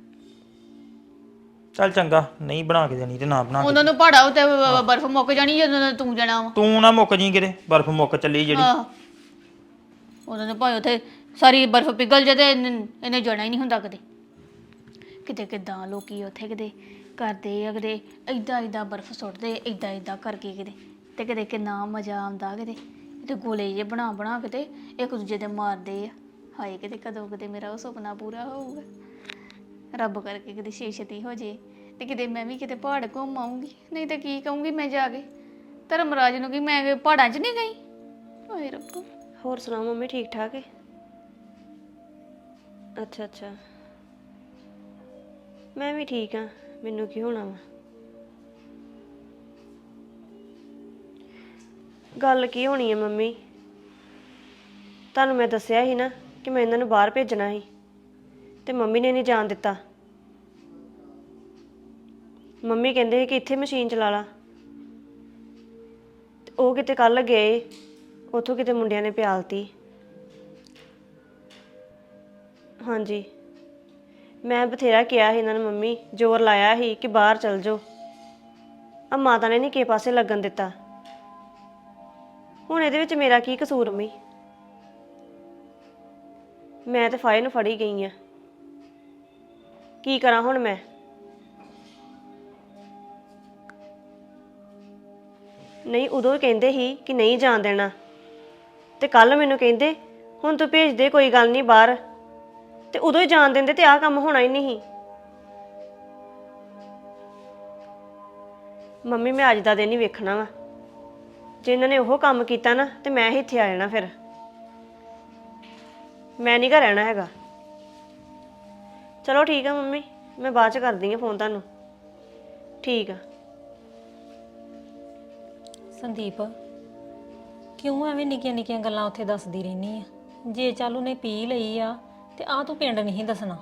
ਚੱਲ ਚੰਗਾ, ਨਹੀਂ ਬਣਾ ਕੇ ਦੇਣੀ ਤੇ ਨਾ ਬਣਾ ਕੇ।
ਉਹਨਾਂ ਨੂੰ ਪਹਾੜਾ ਉੱਤੇ ਬਰਫ਼ ਮੁੱਕ ਜਾਣੀ ਜਦੋਂ ਤੂੰ ਜਾਣਾ ਵਾ।
ਤੂੰ ਨਾ ਮੁੱਕ ਜੀ ਕਿਤੇ, ਬਰਫ਼ ਮੁੱਕ ਚੱਲੀ ਜਿਹੜੀ।
ਆਹ ਉਹਨਾਂ ਨੇ ਭਾਵੇਂ ਉੱਥੇ ਸਾਰੀ ਬਰਫ਼ ਪਿਘਲ ਜਾਏ ਤੇ ਇਹਨੇ ਜਾਣਾ ਹੀ ਨਹੀਂ ਹੁੰਦਾ ਕਦੇ। ਕਿਤੇ ਕਿੱਦਾਂ ਲੋਕੀ ਉੱਥੇ ਕਿਤੇ ਕਰਦੇ ਆ, ਕਿਤੇ ਏਦਾਂ ਬਰਫ਼ ਸੁੱਟਦੇ, ਏਦਾਂ ਕਰਕੇ ਕਿਤੇ, ਤੇ ਕਿਤੇ ਕਿੰਨਾ ਮਜ਼ਾ ਆਉਂਦਾ। ਕਿਤੇ ਗੋਲੇ ਜਿਹੇ ਬਣਾ ਕੇ ਤੇ ਇੱਕ ਦੂਜੇ ਦੇ ਮਾਰਦੇ ਆ। ਹਾਏ ਕਿਤੇ ਕਦੋਂ ਕਿਤੇ ਮੇਰਾ ਉਹ ਸੁਪਨਾ ਪੂਰਾ ਹੋਊਗਾ, ਰੱਬ ਕਰਕੇ ਕਿਤੇ ਛੇਤੀ ਹੋ ਜੇ ਤੇ ਕਿਤੇ ਮੈਂ ਵੀ ਕਿਤੇ ਪਹਾੜ ਘੁੰਮ ਆਊਂਗੀ। ਨਹੀਂ ਤੇ ਕੀ ਕਹੂੰਗੀ ਮੈਂ ਜਾ ਕੇ ਧਰਮਰਾਜ ਨੂੰ ਕਿ ਮੈਂ ਪਹਾੜਾਂ 'ਚ ਨਹੀਂ ਗਈ। ਹਾਏ ਰੱਬਾ।
ਹੋਰ ਸੁਣਾਓ ਮੰਮੀ, ਠੀਕ ਠਾਕ ਹੈ? ਅੱਛਾ ਮੈਂ ਵੀ ਠੀਕ ਆ, ਮੈਨੂੰ ਕੀ ਹੋਣਾ ਵਾ। ਗੱਲ ਕੀ ਹੋਣੀ ਹੈ ਮੰਮੀ, ਤੁਹਾਨੂੰ ਮੈਂ ਦੱਸਿਆ ਸੀ ਨਾ ਕਿ ਮੈਂ ਇਹਨਾਂ ਨੂੰ ਬਾਹਰ ਭੇਜਣਾ ਸੀ ਤੇ ਮੰਮੀ ਨੇ ਨਹੀਂ ਜਾਣ ਦਿੱਤਾ। ਮੰਮੀ ਕਹਿੰਦੇ ਸੀ ਕਿ ਇੱਥੇ ਮਸ਼ੀਨ ਚਲਾ ਲਾ, ਤੇ ਉਹ ਕਿਤੇ ਕੱਲ ਗਏ, ਉੱਥੋਂ ਕਿਤੇ ਮੁੰਡਿਆਂ ਨੇ ਪਿਆਲਤੀ। ਹਾਂਜੀ ਮੈਂ ਬਥੇਰਾ ਕਿਹਾ ਸੀ ਇਹਨਾਂ ਨੂੰ, ਮੰਮੀ ਜ਼ੋਰ ਲਾਇਆ ਸੀ ਕਿ ਬਾਹਰ ਚਲ ਜਾਓ, ਆ ਮਾਤਾ ਨੇ ਨਹੀਂ ਕਿਸੇ ਪਾਸੇ ਲੱਗਣ ਦਿੱਤਾ। ਹੁਣ ਇਹਦੇ ਵਿੱਚ ਮੇਰਾ ਕੀ ਕਸੂਰ? ਮੈਂ ਤੇ ਫਾਇਲ ਨੂੰ ਫੜੀ ਗਈ ਆ, ਕੀ ਕਰਾਂ ਹੁਣ ਮੈਂ? ਨਹੀਂ ਉਦੋਂ ਕਹਿੰਦੇ ਸੀ ਕਿ ਨਹੀਂ ਜਾਣ ਦੇਣਾ, ਤੇ ਕੱਲ ਮੈਨੂੰ ਕਹਿੰਦੇ ਹੁਣ ਤੂੰ ਭੇਜ ਦੇ, ਕੋਈ ਗੱਲ ਨਹੀਂ ਬਾਹਰ, ਤੇ ਉਦੋਂ ਹੀ ਜਾਣ ਦਿੰਦੇ ਤੇ ਆਹ ਕੰਮ ਹੋਣਾ ਹੀ ਨਹੀਂ। ਮੰਮੀ ਮੈਂ ਅੱਜ ਦਾ ਦਿਨ ਹੀ ਵੇਖਣਾ ਵਾ, ਜੇ ਇਹਨਾਂ ਨੇ ਉਹ ਕੰਮ ਕੀਤਾ ਨਾ ਤੇ ਮੈਂ ਹੀ ਇੱਥੇ ਆ ਜਾਣਾ, ਫਿਰ ਮੈਂ ਨਹੀਂ ਘਰ ਰਹਿਣਾ ਹੈਗਾ। ਚਲੋ ਠੀਕ ਆ ਮੰਮੀ, ਮੈਂ ਬਾਅਦ ਚ ਕਰਦੀ ਆ ਫੋਨ ਤੁਹਾਨੂੰ। ਠੀਕ ਆ।
ਸੰਦੀਪ ਕਿਉਂ ਐਵੇਂ ਨਿੱਕੀਆਂ ਨਿੱਕੀਆਂ ਗੱਲਾਂ ਉੱਥੇ ਦੱਸਦੀ ਰਹਿਨੀ ਆ? ਜੇ ਚੱਲ ਉਹਨੇ ਪੀ ਲਈ ਆ ਤੇ ਆ ਤੂੰ ਪਿੰਡ ਨਹੀਂ ਦੱਸਣਾ।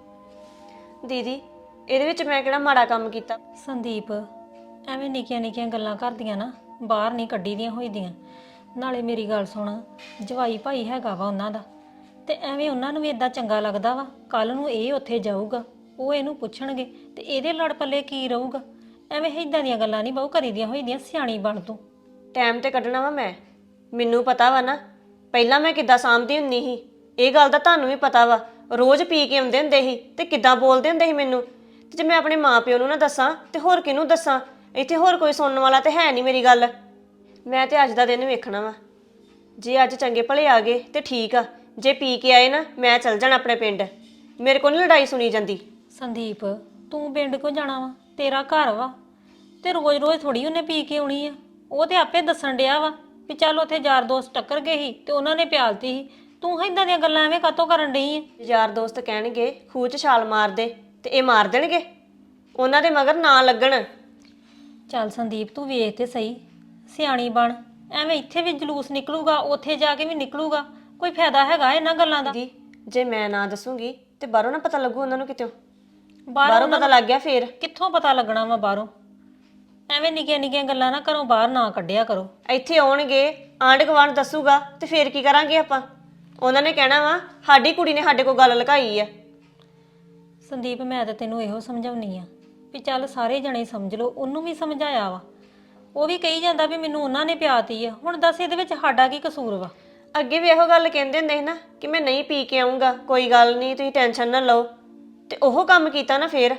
ਦੀਦੀ ਇਹਦੇ ਵਿੱਚ ਮੈਂ ਕਿਹੜਾ ਮਾੜਾ ਕੰਮ ਕੀਤਾ?
ਸੰਦੀਪ ਐਵੇਂ ਨਿੱਕੀਆਂ ਨਿੱਕੀਆਂ ਗੱਲਾਂ ਕਰਦੀਆਂ ਨਾ ਬਾਹਰ ਨਹੀਂ ਕੱਢੀ ਦੀਆਂ ਹੋਈਆਂ। ਨਾਲੇ ਮੇਰੀ ਗੱਲ ਸੁਣ, ਜਵਾਈ ਭਾਈ ਹੈਗਾ ਵਾ ਉਹਨਾਂ ਦਾ, ਤੇ ਐਵੇਂ ਉਹਨਾਂ ਨੂੰ ਵੀ ਇਦਾਂ ਚੰਗਾ ਲੱਗਦਾ ਵਾ। ਕੱਲ ਨੂੰ ਇਹ ਉੱਥੇ ਜਾਊਗਾ, ਉਹ ਇਹਨੂੰ ਪੁੱਛਣਗੇ ਤੇ ਇਹਦੇ ਲੜ ਪੱਲੇ ਕੀ ਰਹੂਗਾ? ਐਵੇਂ ਇਦਾਂ ਦੀਆਂ ਗੱਲਾਂ ਨਹੀਂ ਬਹੁ ਕਰੀਦੀਆਂ ਹੋਈਆਂ। ਸਿਆਣੀ ਬਣ ਤੂੰ।
ਟਾਈਮ ਤੇ ਕੱਢਣਾ ਵਾ ਮੈਂ, ਮੈਨੂੰ ਪਤਾ ਵਾ ਨਾ ਪਹਿਲਾਂ ਮੈਂ ਕਿੱਦਾਂ ਸਾਂਭਦੀ ਹੁੰਦੀ ਸੀ, ਇਹ ਗੱਲ ਦਾ ਤੁਹਾਨੂੰ ਵੀ ਪਤਾ ਵਾ। ਰੋਜ਼ ਪੀ ਕੇ ਆਉਂਦੇ ਹੁੰਦੇ ਸੀ ਤੇ ਕਿੱਦਾਂ ਬੋਲਦੇ ਹੁੰਦੇ ਸੀ ਮੈਨੂੰ, ਤੇ ਜੇ ਮੈਂ ਆਪਣੇ ਮਾਪਿਓ ਨੂੰ ਨਾ ਦੱਸਾਂ ਤੇ ਹੋਰ ਕਿਹਨੂੰ ਦੱਸਾਂ? ਇੱਥੇ ਹੋਰ ਕੋਈ ਸੁਣਨ ਵਾਲਾ ਤੇ ਹੈ ਨਹੀਂ ਮੇਰੀ ਗੱਲ। ਮੈਂ ਤੇ ਅੱਜ ਦਾ ਦਿਨ ਵੇਖਣਾ ਵਾ, ਜੇ ਅੱਜ ਚੰਗੇ ਭਲੇ ਆ ਗਏ ਤੇ ਠੀਕ ਆ, ਜੇ ਪੀ ਕੇ ਆਏ ਨਾ ਮੈਂ ਚੱਲ ਜਾਣਾ ਆਪਣੇ ਪਿੰਡ, ਮੇਰੇ ਕੋਲ ਨਹੀਂ ਲੜਾਈ ਸੁਣੀ ਜਾਂਦੀ।
ਸੰਦੀਪ ਤੂੰ ਪਿੰਡ ਕੋ ਜਾਣਾ ਵਾ? ਤੇਰਾ ਘਰ ਵਾ, ਤੇ ਰੋਜ਼-ਰੋਜ਼ ਥੋੜੀ ਉਹਨੇ ਪੀ ਕੇ ਆਉਣੀ ਆ। ਉਹ ਤੇ ਆਪੇ ਦੱਸਣ ਡਿਆ ਵਾ ਵੀ ਚੱਲ ਉੱਥੇ ਯਾਰ ਦੋਸਤ ਟੱਕਰ ਗਏ ਸੀ ਤੇ ਉਹਨਾਂ ਨੇ ਪਿਆਲਤੀ ਸੀ। ਤੂੰ ਇਦਾਂ ਦੀਆਂ ਗੱਲਾਂ ਐਵੇਂ ਕਾਤੋਂ ਕਰਨ ਡਈ ਆ?
ਯਾਰ ਦੋਸਤ ਕਹਿਣਗੇ ਖੂਹ 'ਚ ਛਾਲ ਮਾਰ ਦੇ ਤੇ ਇਹ ਮਾਰ ਦੇਣਗੇ, ਉਹਨਾਂ ਦੇ ਮਗਰ ਨਾ ਲੱਗਣ।
ਚੱਲ ਸੰਦੀਪ ਤੂੰ ਵੇਖ ਤੇ ਸਹੀ, ਸਿਆਣੀ ਬਣ। ਐਵੇਂ ਇੱਥੇ ਵੀ ਜਲੂਸ ਨਿਕਲੂਗਾ, ਉੱਥੇ ਜਾ ਕੇ ਵੀ ਨਿਕਲੂਗਾ, ਕੋਈ ਫਾਇਦਾ ਹੈਗਾ ਇਹਨਾਂ ਗੱਲਾਂ ਦਾ?
ਦੀ ਜੇ ਮੈਂ ਨਾ ਦੱਸੂਗੀ ਤੇ ਬਾਹਰੋਂ ਨਾ ਪਤਾ ਲੱਗੂ ਉਹਨਾਂ ਨੂੰ, ਕਿਤੋਂ
ਬਾਹਰੋਂ
ਬਾਹਰੋਂ ਪਤਾ ਲੱਗ ਗਿਆ ਫੇਰ
ਕਿੱਥੋਂ ਪਤਾ ਲੱਗਣਾ ਵਾ ਬਾਹਰੋਂ? ਐਵੇਂ ਨਿੱਕੀਆਂ ਨਿੱਕੀਆਂ ਗੱਲਾਂ ਨਾ ਕਰੋ, ਬਾਹਰ ਨਾ ਕੱਢਿਆ ਕਰੋ।
ਇੱਥੇ ਆਉਣਗੇ, ਆਂਢ ਗੁਆਂਢ ਦੱਸੂਗਾ ਤੇ ਫੇਰ ਕੀ ਕਰਾਂਗੇ ਆਪਾਂ? ਉਹਨਾਂ ਨੇ ਕਹਿਣਾ ਵਾ ਸਾਡੀ ਕੁੜੀ ਨੇ ਸਾਡੇ ਕੋਲ ਗੱਲ ਲੁਕਾਈ ਆ।
ਸੰਦੀਪ ਮੈਂ ਤਾਂ ਤੈਨੂੰ ਇਹੋ ਸਮਝਾਉਣੀ ਆ ਵੀ ਚੱਲ ਸਾਰੇ ਜਣੇ ਸਮਝ ਲਓ। ਉਹਨੂੰ ਵੀ ਸਮਝਾਇਆ ਵਾ, ਉਹ ਵੀ ਕਹੀ ਜਾਂਦਾ ਵੀ ਮੈਨੂੰ ਉਹਨਾਂ ਨੇ ਪਿਆਤੀ ਆ। ਹੁਣ ਦੱਸ ਇਹਦੇ ਵਿੱਚ ਸਾਡਾ ਕੀ ਕਸੂਰ ਵਾ?
ਅੱਗੇ ਵੀ ਇਹੋ ਗੱਲ ਕਹਿੰਦੇ ਹੁੰਦੇ ਸੀ ਨਾ ਕਿ ਮੈਂ ਨਹੀਂ ਪੀ ਕੇ ਆਉਂਗਾ, ਕੋਈ ਗੱਲ ਨਹੀਂ ਤੁਸੀਂ ਟੈਨਸ਼ਨ ਨਾ ਲਓ, ਤੇ ਉਹ ਕੰਮ ਕੀਤਾ ਨਾ ਫੇਰ।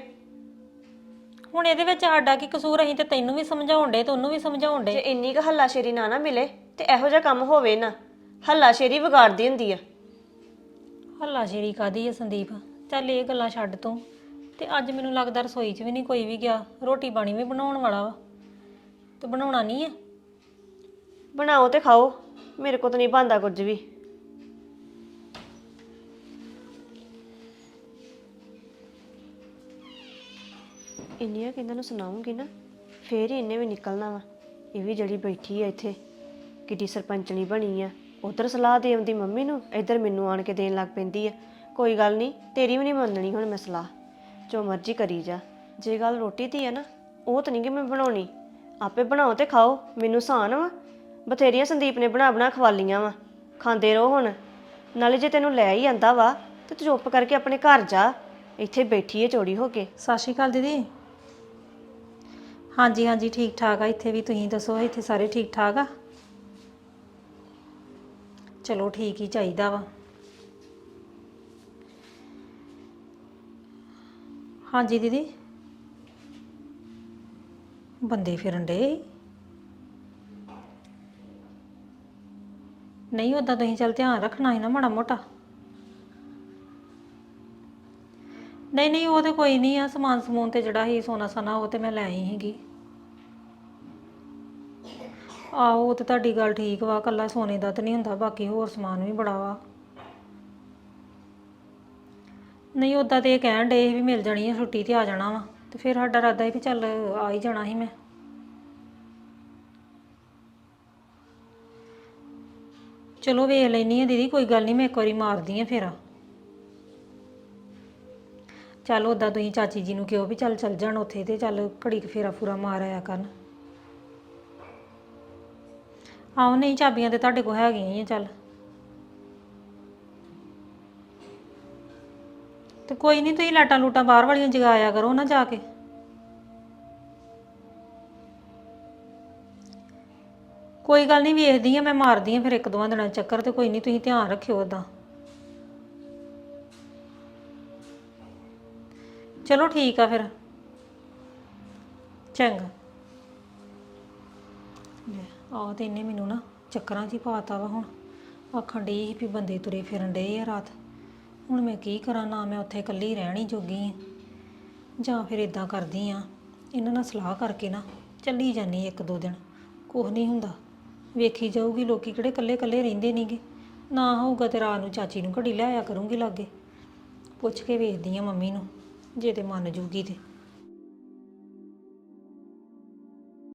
ਹੁਣ ਇਹਦੇ ਵਿੱਚ ਸਾਡਾ ਕੀ ਕਸੂਰ? ਅਸੀਂ ਤੇ ਤੈਨੂੰ ਵੀ ਸਮਝਾਉਣ ਡੇ ਤੇ ਉਹਨੂੰ ਵੀ ਸਮਝਾਉਣ
ਜੇ
ਡੇ।
ਇੰਨੀ ਕੁ ਹੱਲਾਸ਼ੇਰੀ ਨਾ ਮਿਲੇ ਤੇ ਇਹੋ ਜਿਹਾ ਕੰਮ ਹੋਵੇ ਨਾ। ਹੱਲਾਸ਼ੇਰੀ ਵਿਗਾੜਦੀ ਹੁੰਦੀ ਆ।
ਹੱਲਾਸ਼ੇਰੀ ਕਾਦੀ ਆ ਸੰਦੀਪ? ਚੱਲ ਇਹ ਗੱਲਾਂ ਛੱਡ ਤੂੰ। ਤੇ ਅੱਜ ਮੈਨੂੰ ਲੱਗਦਾ ਰਸੋਈ 'ਚ ਵੀ ਨਹੀਂ ਕੋਈ ਵੀ ਗਿਆ, ਰੋਟੀ ਪਾਣੀ ਵੀ ਬਣਾਉਣ ਵਾਲਾ ਵਾ। ਤੇ ਬਣਾਉਣਾ ਨਹੀਂ ਆ?
ਬਣਾਓ ਤੇ ਖਾਓ, ਮੇਰੇ ਕੋਲ ਤਾਂ ਨਹੀਂ ਬਣਦਾ ਕੁਝ ਵੀ। ਇੰਨੀਆਂ ਕਿਹਨਾਂ ਨੂੰ ਸੁਣਾਉਂਗੀ ਨਾ, ਫੇਰ ਹੀ ਇਹਨੇ ਵੀ ਨਿਕਲਣਾ ਵਾ। ਇਹ ਵੀ ਜਿਹੜੀ ਬੈਠੀ ਆ ਇੱਥੇ ਕਿੱਡੀ ਸਰਪੰਚਣੀ ਬਣੀ ਆ, ਉਧਰ ਸਲਾਹ ਦੇ ਆਉਂਦੀ ਮੰਮੀ ਨੂੰ, ਇੱਧਰ ਮੈਨੂੰ ਆਣ ਕੇ ਦੇਣ ਲੱਗ ਪੈਂਦੀ ਆ। ਕੋਈ ਗੱਲ ਨਹੀਂ, ਤੇਰੀ ਵੀ ਨਹੀਂ ਮੰਨਣੀ ਹੁਣ ਮੈਂ ਸਲਾਹ, ਜੋ ਮਰਜ਼ੀ ਕਰੀ ਜਾ। ਜੇ ਗੱਲ ਰੋਟੀ ਦੀ ਆ ਨਾ, ਉਹ ਤਾਂ ਨਹੀਂ ਕਿ ਮੈਂ ਬਣਾਉਣੀ, ਆਪੇ ਬਣਾਓ ਤੇ ਖਾਓ। ਮੈਨੂੰ ਸਾਨ ਵਾ, ਬਥੇਰੀਆਂ ਸੰਦੀਪ ਨੇ ਬਣਾ ਬਣਾ ਖਵਾਲੀਆਂ ਵਾ, ਖਾਂਦੇ ਰਹੋ ਹੁਣ। ਨਾਲੇ ਜੇ ਤੈਨੂੰ ਲੈ ਹੀ ਆਂਦਾ ਵਾ ਤੇ ਤੂੰ ਚੁੱਪ ਕਰਕੇ ਆਪਣੇ ਘਰ ਜਾ, ਇੱਥੇ ਬੈਠੀ ਏ ਚੋੜੀ ਹੋ ਕੇ।
ਸਤਿ ਸ਼੍ਰੀ ਅਕਾਲ ਦੀਦੀ। ਹਾਂਜੀ ਹਾਂਜੀ ਠੀਕ ਠਾਕ ਆ ਇੱਥੇ ਵੀ, ਤੁਸੀਂ ਦੱਸੋ ਇੱਥੇ ਸਾਰੇ ਠੀਕ ਠਾਕ ਆ? ਚਲੋ ਠੀਕ ਹੀ ਚਾਹੀਦਾ ਵਾ। ਹਾਂਜੀ ਦੀਦੀ, ਬੰਦੇ ਫਿਰਨ ਡੇ? ਨਹੀਂ ਉਦਾਂ ਤੁਸੀਂ ਚੱਲ ਧਿਆਨ ਰੱਖਣਾ ਸੀ ਨਾ ਮਾੜਾ ਮੋਟਾ। ਨਹੀਂ ਨਹੀਂ ਉਹ ਤੇ ਕੋਈ ਨਹੀਂ ਆ, ਸਮਾਨ ਸਮੂਨ ਤੇ ਜਿਹੜਾ ਸੀ ਸੋਨਾ ਸਾਨਾ ਉਹ ਤੇ ਮੈਂ ਲੈ ਆਈ ਸੀਗੀ। ਆਹੋ ਉਹ ਤੇ ਤੁਹਾਡੀ ਗੱਲ ਠੀਕ ਵਾ, ਕੱਲਾ ਸੋਨੇ ਦਾ ਤੇ ਨਹੀਂ ਹੁੰਦਾ, ਬਾਕੀ ਹੋਰ ਸਮਾਨ ਵੀ ਬੜਾ ਵਾ। ਨਹੀਂ ਉਦਾਂ ਤੇ ਇਹ ਕਹਿਣ ਡੇ ਵੀ ਮਿਲ ਜਾਣੀ ਆ ਛੁੱਟੀ ਤੇ ਆ ਜਾਣਾ ਵਾ, ਤੇ ਫਿਰ ਸਾਡਾ ਇਰਾਦਾ ਸੀ ਵੀ ਚੱਲ ਆ ਹੀ ਜਾਣਾ ਸੀ ਮੈਂ। ਚਲੋ ਵੇਖ ਲੈਣੀ ਆ ਦੀਦੀ, ਕੋਈ ਗੱਲ ਨਹੀਂ, ਮੈਂ ਇੱਕ ਵਾਰੀ ਮਾਰਦੀ ਆ ਫੇਰਾ। ਚੱਲ ਉਦਾਂ ਤੁਸੀਂ ਚਾਚੀ ਜੀ ਨੂੰ ਕਿਹਾ ਵੀ ਚੱਲ ਜਾਣ ਉੱਥੇ, ਤੇ ਚੱਲ ਘੜੀ ਕੁ ਫੇਰਾ ਫੂਰਾ ਮਾਰ ਆਇਆ ਕਰਨ। ਆਹੋ ਨਹੀਂ ਚਾਬੀਆਂ ਤੇ ਤੁਹਾਡੇ ਕੋਲ ਹੈਗੀਆਂ ਹੀ ਆ। ਚੱਲ ਤੇ ਕੋਈ ਨਹੀਂ, ਤੁਸੀਂ ਲਾਟਾਂ ਲੂਟਾਂ ਬਾਹਰ ਵਾਲੀਆਂ ਜਗਾਇਆ ਕਰੋ ਨਾ ਜਾ ਕੇ। ਕੋਈ ਗੱਲ ਨਹੀਂ, ਵੇਖਦੀ ਆ ਮੈਂ, ਮਾਰਦੀ ਆ ਫਿਰ ਇੱਕ ਦੋਵਾਂ ਦਿਨਾਂ 'ਚ ਚੱਕਰ, ਤੇ ਕੋਈ ਨਹੀਂ ਤੁਸੀਂ ਧਿਆਨ ਰੱਖਿਓ ਉਦਾਂ। ਚਲੋ ਠੀਕ ਆ ਫਿਰ, ਚੰਗਾ। ਆਹ ਤੇ ਇਹਨੇ ਮੈਨੂੰ ਨਾ ਚੱਕਰਾਂ 'ਚ ਹੀ ਪਾਤਾ ਵਾ। ਹੁਣ ਆਖਣ ਡਈ ਸੀ ਵੀ ਬੰਦੇ ਤੁਰੇ ਫਿਰਨ ਡਏ ਆ ਰਾਤ। ਹੁਣ ਮੈਂ ਕੀ ਕਰਾਂ, ਨਾ ਮੈਂ ਉੱਥੇ ਇਕੱਲੀ ਰਹਿਣੀ ਜੋਗੀ ਆ, ਜਾਂ ਫਿਰ ਇਦਾਂ ਕਰਦੀ ਆ ਇਹਨਾਂ ਨਾਲ ਸਲਾਹ ਕਰਕੇ ਨਾ ਚੱਲੀ ਜਾਂਦੀ ਇੱਕ ਦੋ ਦਿਨ, ਕੁਛ ਨਹੀਂ ਹੁੰਦਾ, ਵੇਖੀ ਜਾਊਗੀ। ਲੋਕੀ ਕਿਹੜੇ ਇਕੱਲੇ ਇਕੱਲੇ ਰਹਿੰਦੇ ਨਹੀਂਗੇ। ਨਾ ਹੋਊਗਾ ਤੇ ਰਾਤ ਨੂੰ ਚਾਚੀ ਨੂੰ ਘੜੀ ਲੈ ਆਇਆ ਕਰੂੰਗੀ ਲਾਗੇ, ਪੁੱਛ ਕੇ ਵੇਖਦੀ ਆ ਮੰਮੀ ਨੂੰ, ਜੇ ਤੇ ਮੰਨ ਜੂਗੀ ਤੇ।